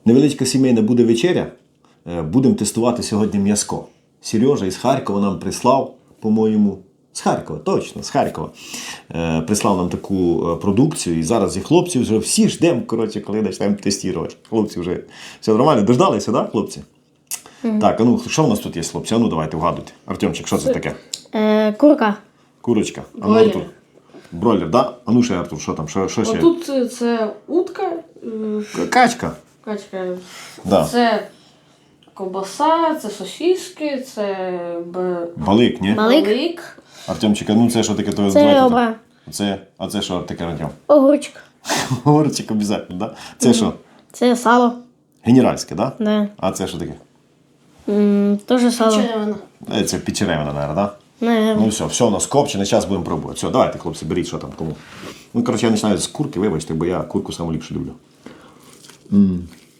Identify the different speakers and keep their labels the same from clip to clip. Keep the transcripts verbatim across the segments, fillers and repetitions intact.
Speaker 1: Невеличка сімейна буде вечеря. Будемо тестувати сьогодні м'яско. Сережа із Харкова нам прислав, по-моєму, з Харкова, точно, з Харкова. Е, прислав нам таку продукцію. І зараз і хлопці вже всі ждемо, коротше, коли почнемо тестувати. Хлопці вже все нормально. Дождалися, так, да, хлопці? Mm-hmm. Так, а ну, що в нас тут є, хлопці? А ну, давайте вгадуйте. Артемчик, що це таке?
Speaker 2: Е, курка.
Speaker 1: Курочка. А ну, Артур. Бройлер, да? А ну ще, Артур, що там? Що, що ще?
Speaker 3: Отут це утка.
Speaker 1: Качка.
Speaker 3: Качка.
Speaker 1: Да.
Speaker 3: Це ковбаса, це сосиски, це б...
Speaker 1: Балик, ні?
Speaker 2: Балик.
Speaker 3: балик.
Speaker 1: Артемчик, а ну це що таке? То,
Speaker 2: Це ребра.
Speaker 1: Це, а це що таке, Артем?
Speaker 2: Огурчик.
Speaker 1: Горчик обов'язково, да? Це що?
Speaker 2: Це сало.
Speaker 1: Генеральське, да?
Speaker 2: Да.
Speaker 1: А це що таке?
Speaker 2: М, Тоже сало.
Speaker 3: Червона.
Speaker 1: Е, Це підчеревина, мабуть, да?
Speaker 2: Наверно.
Speaker 1: Ну все, все у нас копчене, зараз будемо пробувати. Все, давайте, хлопці, беріть, що там кому. Ну, коротше, я починаю з курки, вибачте, бо я курку саму ліпше люблю. М.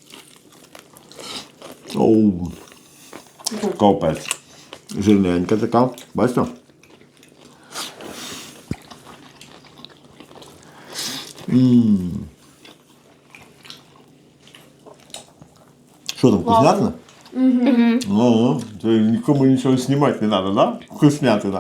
Speaker 1: Оу. Капець. Жирненька така. Бачите? М. Що там, вкуснятина? Угу. Ага, то нікому нічого знімати не треба, да? Вкуснятина.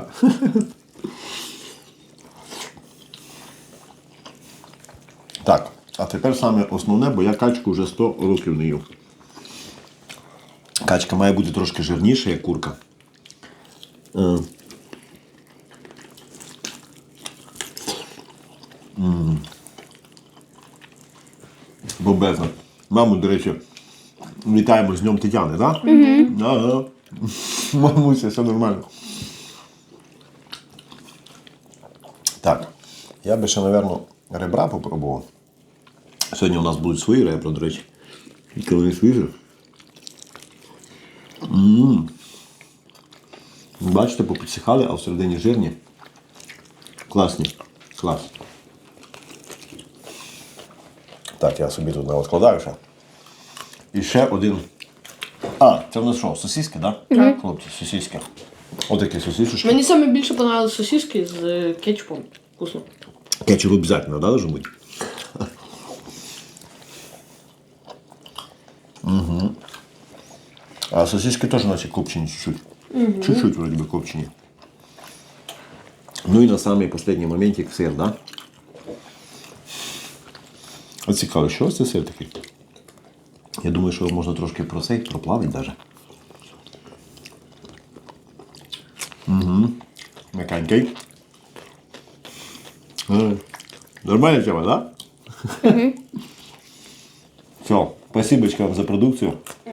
Speaker 1: Так, а тепер саме основне, бо я качку вже сто років не їв. Качка має бути трошки жирніша, як курка. Е. М. Бомбезно. Маму, до речі, вітаємо з Днем Тетяни, так? Да? Угу. Ага. Мамуся, все нормально. Так, я би ще, мабуть, ребра попробував. Сьогодні у нас будуть свої ребра, до речі. Тільки вони свіжі. М-м-м. Бачите, попідсихали, а всередині жирні. Класні. Клас. Так, я собі тут не розкладаю ще. І ще один. А, це в нас що, сосиски, так? Да? Так. Хлопці, сосиски. Отакі сосисочки.
Speaker 3: Мені саме більше понравились сосиски з кетчупом. Вкусно.
Speaker 1: Кетчуп обов'язково, да, должен бути? Угу. А сосиски теж наче копчені чуть-чуть. Угу. Чуть-чуть вроде бы копчені. Ну і на самий останній моментик сир, да? А цікаво, що це сир такий? Я думаю, що можна трошки просей, проплавити навіть. Угу. М'якенький. Нормальна тема, да? Угу. Все, спасибо вам за продукцію.